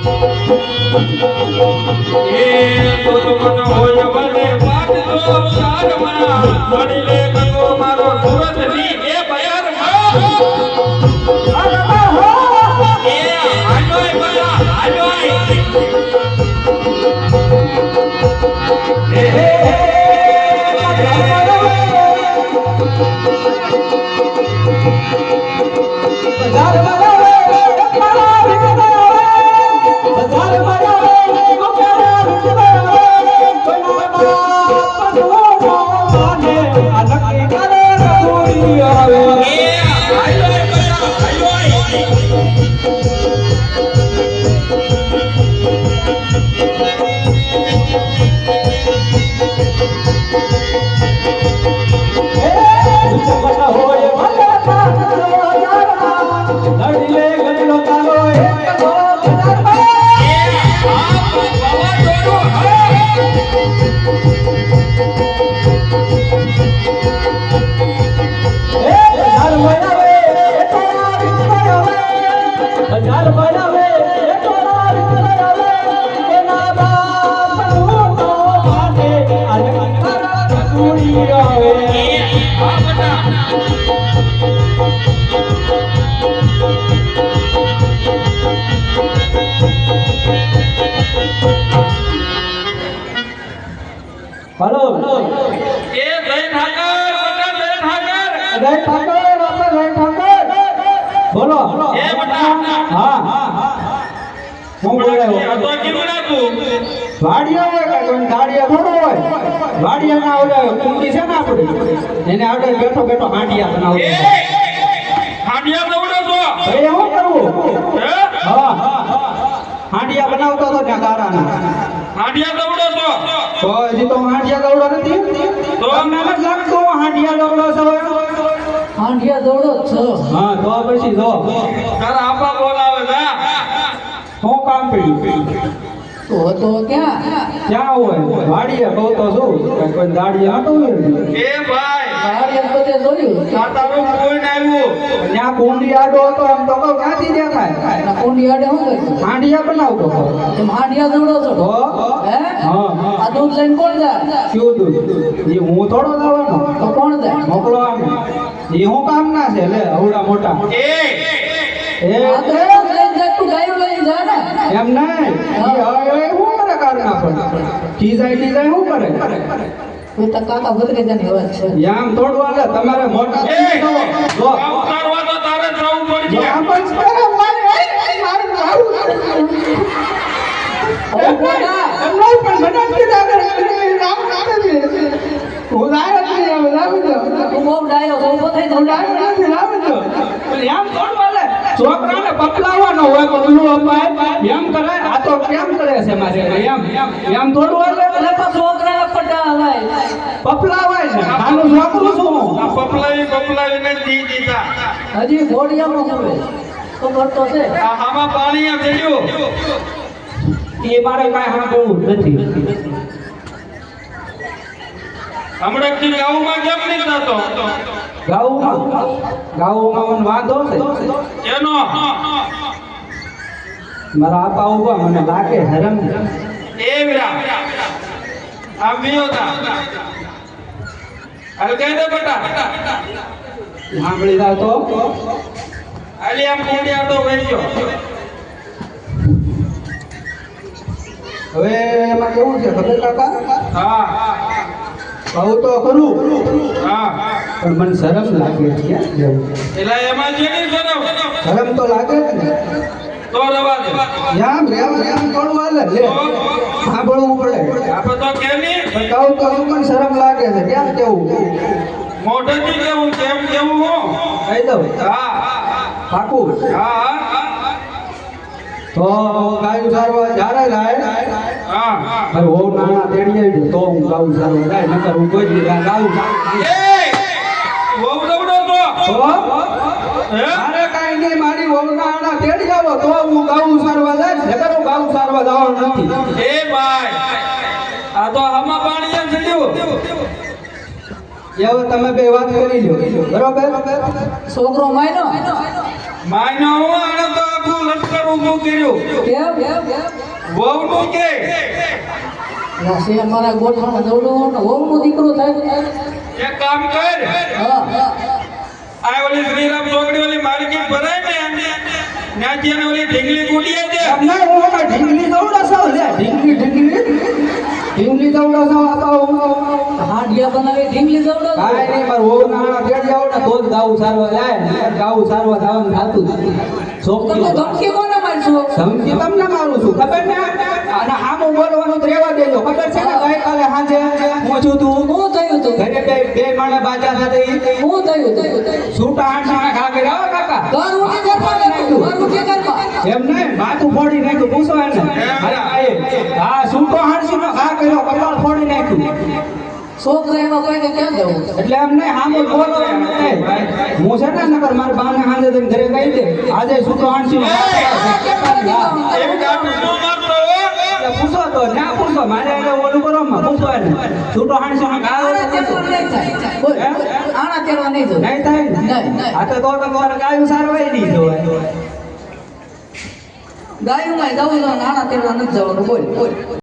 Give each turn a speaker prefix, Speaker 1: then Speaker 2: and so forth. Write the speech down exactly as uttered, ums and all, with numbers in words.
Speaker 1: એ તો તો મન હોય વને પાટ તો શાર મના મણી લે ગંગો મારો સુરત ની એ બયાર માં અરે હો એ આલોય બયા આલોય એ હે બજાર વાળા
Speaker 2: हेलो
Speaker 1: ए जय ठाकर बटा जय ठाकर
Speaker 2: जय ठाकर आपका जय ठाकर बोलो
Speaker 1: ए बटा
Speaker 2: हां હું બોલે
Speaker 1: તો કેવડા તું
Speaker 2: વાડિયા હોય કે કોઈ ગાડિયા થોડો હોય વાડિયા ના ઓલે કુંડી છે ને આપડી એને આગળ બેઠો બેઠો હાંડિયા બનાવો
Speaker 1: એ હાંડિયા દવડો છો
Speaker 2: એ હું કરું
Speaker 1: હે
Speaker 2: હા હાંડિયા બનાવતો તો ત્યાં ગારાના
Speaker 1: હાંડિયા દવડો છો
Speaker 2: તો હજી તો હાંડિયા દવડો નથી
Speaker 1: તો
Speaker 2: તમને જ લાગતો હાંડિયા દવડો છો
Speaker 3: હાંડિયા દવડો છો
Speaker 2: હા તો પછી જો
Speaker 1: તારા આપા બોલાવે જા
Speaker 2: શું કામ પડ્યું
Speaker 3: તો તો ક્યાં
Speaker 2: ક્યાં હોય વાડિયા કહું તો શું કોઈ દાડી આટો હોય
Speaker 1: એ ભાઈ
Speaker 3: હાડિયા બધે જોયું
Speaker 1: આ તારું કોઈ આવ્યું
Speaker 2: ત્યાં કુંડી આડો હતો એમ તો કહું ક્યાંથી દેખાય
Speaker 3: ના કુંડી આડે શું કર્યું
Speaker 2: હાંડિયા બનાવતો હતો
Speaker 3: તમે હાંડિયા દવડો છો
Speaker 2: તો
Speaker 3: હે
Speaker 2: હા
Speaker 3: આ દૂધ લઈને કોણ જાય
Speaker 2: શું દૂધ એ હું થોડો જવાનો
Speaker 3: તો કોણ જાય
Speaker 2: મોકલો આમ એ હું કામ ના છે લે અવડા મોટા
Speaker 1: એ
Speaker 2: એ
Speaker 3: આ તો દૂધ લઈને જાય તું ગાયું લઈને જાય ને
Speaker 2: એમ નહીં એ હવે હું કરે કાઢના પણ ખીજાય ખીજાય શું કરે
Speaker 3: કોઈ તો કાકા ભદ્રે જાની વાત છે
Speaker 2: આમ થોડું હાલે તમારે મોટા
Speaker 1: એ
Speaker 2: જો
Speaker 1: ઉતારવા તો તારે જવું પડશે
Speaker 2: આમ જ કરે મારે મારું મારું
Speaker 3: અરે કોના
Speaker 2: એમ નહીં પણ મને કીધા કરે રામ રામ હું લાયો નથી હવે લાવી દો
Speaker 3: તું બહુ ડાયો છો ઉભો થઈ
Speaker 2: હું
Speaker 3: જાવ
Speaker 2: લાયો નથી લાવી દો પણ એમ થોડું હાલે છોકરાને પકલાવાનો હોય પગલું અપાય એમ કરાય આ તો કેમ કરે છે મારે એમ એમ થોડું હાલે
Speaker 3: એટલે તો છોકરાને પટા ભાઈ
Speaker 2: પપલાવાય ને આનું છોકરું શું
Speaker 1: આ પપલાવી પપલાવી ને દી દીધા
Speaker 3: હજી ઘોડિયામાં ખબર ખબર તો છે
Speaker 1: આ હામાં પાણી આ ચડ્યું
Speaker 2: એ મારે કાંઈ સાંભળવું નથી
Speaker 1: હમણાં થી ગાઉમાં કેમ નહીં થતો
Speaker 2: ગાઉમાં ગાઉમાં મને વાંધો છે
Speaker 1: એનો
Speaker 2: મારા આપા ઉભા મને લાગે હરમ
Speaker 1: એ વીરા આ વિયોતા અરે કહી દે બેટા
Speaker 2: સાંભળી જાવ તો
Speaker 1: અલી આમ કુંડિયા તો વેચ્યો
Speaker 2: હવે એમાં કેવું છે ખબર કાકા
Speaker 1: હા
Speaker 2: કહું તો ખરું
Speaker 1: હા
Speaker 2: પણ મને શરમ લાગે છે ક્યાં જવું
Speaker 1: એટલે એમાં જે નહીં શરમ
Speaker 2: શરમ તો લાગે જ ને
Speaker 1: તો રવા દે
Speaker 2: યામ રેમ રેમ થોડું હાલે લે સાંભળવું પડે
Speaker 1: આપણે તો કે નહીં
Speaker 2: પણ કહું તો શું પણ શરમ લાગે છે કેમ કેવું
Speaker 1: મોઢેથી કેવું કેમ કેવું હું
Speaker 2: કહી દઉં
Speaker 1: હા
Speaker 2: પાકું
Speaker 1: હા
Speaker 2: તો ગાયું સારવા જ્યારે જાય
Speaker 1: હા
Speaker 2: અરે હોવ નાના તેડી આવી તો હું ગાઉં સારવા જાય નકર હું કોઈ દી ગાઉં
Speaker 1: એ બહુ દવડો તો
Speaker 2: તો
Speaker 1: હે
Speaker 2: મારે કાંઈ નહીં મારી હોવના આના તેડી આવો તો હું ગાઉં સારવા જાય નકર હું ગાઉં સારવા જવાનું નથી
Speaker 1: એ ભાઈ આ તો હામાં પાણી એમ ચડ્યું
Speaker 2: હવે તમે બે વાત કરી લો બરોબર
Speaker 3: છોકરો માયનો
Speaker 1: માયનો હું આને તો આખું લશ્કર ઊભું કર્યું
Speaker 3: કેમ કેમ
Speaker 1: વહુનું કે
Speaker 3: ના છે અમારા ગોઠામાં દોડો ને વહુનો દીકરો થાય
Speaker 1: એક કામ કર
Speaker 3: હા
Speaker 1: આ ઓલી શ્રીરામ ચોકડી ઓલી માર્કેટ ભરાય ને ત્યાંથી એને ઓલી ઢીંગલી કૂટીએ દે
Speaker 2: એમને હું ઓલા ઢીંગલી દવડા સાવ લે ઢીંગલી ઢીંગલી ઢીંગલી દવડા સાવ આતા હું
Speaker 3: હાંડિયા બનાવી ઢીંગલી દોડો
Speaker 2: કાંઈ નહીં માર વહુ નાણા તેડી આવો ને તો જ ગાવું સારવા જાય ને ગાવું સારવા જવાનું થાતું જ નથી.
Speaker 3: તમે
Speaker 2: છોકરીઓ
Speaker 3: ધમકી કોને મારશો
Speaker 2: ધમકી તમને મારું છું ખબર ને અને આમ બોલવાનું તો રહેવા દેજો ખબર છે ને ગઈકાલે સાંજે હું છું તું
Speaker 3: શું થયું તું
Speaker 2: ઘરે બે બે માણસ બાજા સાથે
Speaker 3: શું થયું તું
Speaker 2: છૂટા આઠસા ખા કર્યા હો કાકા
Speaker 3: ઘર ઉઠી ઘરમાં નાખ્યું ઘર ઉઠી ઘરમાં
Speaker 2: એમ નહીં માથું ફોડી નાખ્યું પૂછો એને અરે ભાઈ હા છૂટો આઠસી નો ખા કર્યો કપાળ ફોડી નાખ્યું
Speaker 3: છોકરા એમાં કોઈને ક્યાં જવું
Speaker 2: એટલે એમ નહીં આમ જ બોલો એમ નહીં હું છે ને નકર મારા બાને હાંજે જઈને ઘરે કહી દે આજે છૂટો આઠસી નો ખા કર્યો.
Speaker 1: એમ ગાડું ન મારતો હો
Speaker 2: એટલે પૂછો તો ના પૂછો મારે એને ઓલું કરો માં પૂછો એને છૂટો આઠસી નો ખા
Speaker 3: આણા તેરવા નહીં થાય બોલ આણા તેરવા નહીં જવું
Speaker 2: નહીં થાય ને
Speaker 3: નહીં, નહીં.
Speaker 2: આ તો તો તમારે ગાયું સારવાય નહીં જોવાય
Speaker 3: ગાયુંમાં ગાવું આણા તેરવા નથી જવાનું બોલ બોલ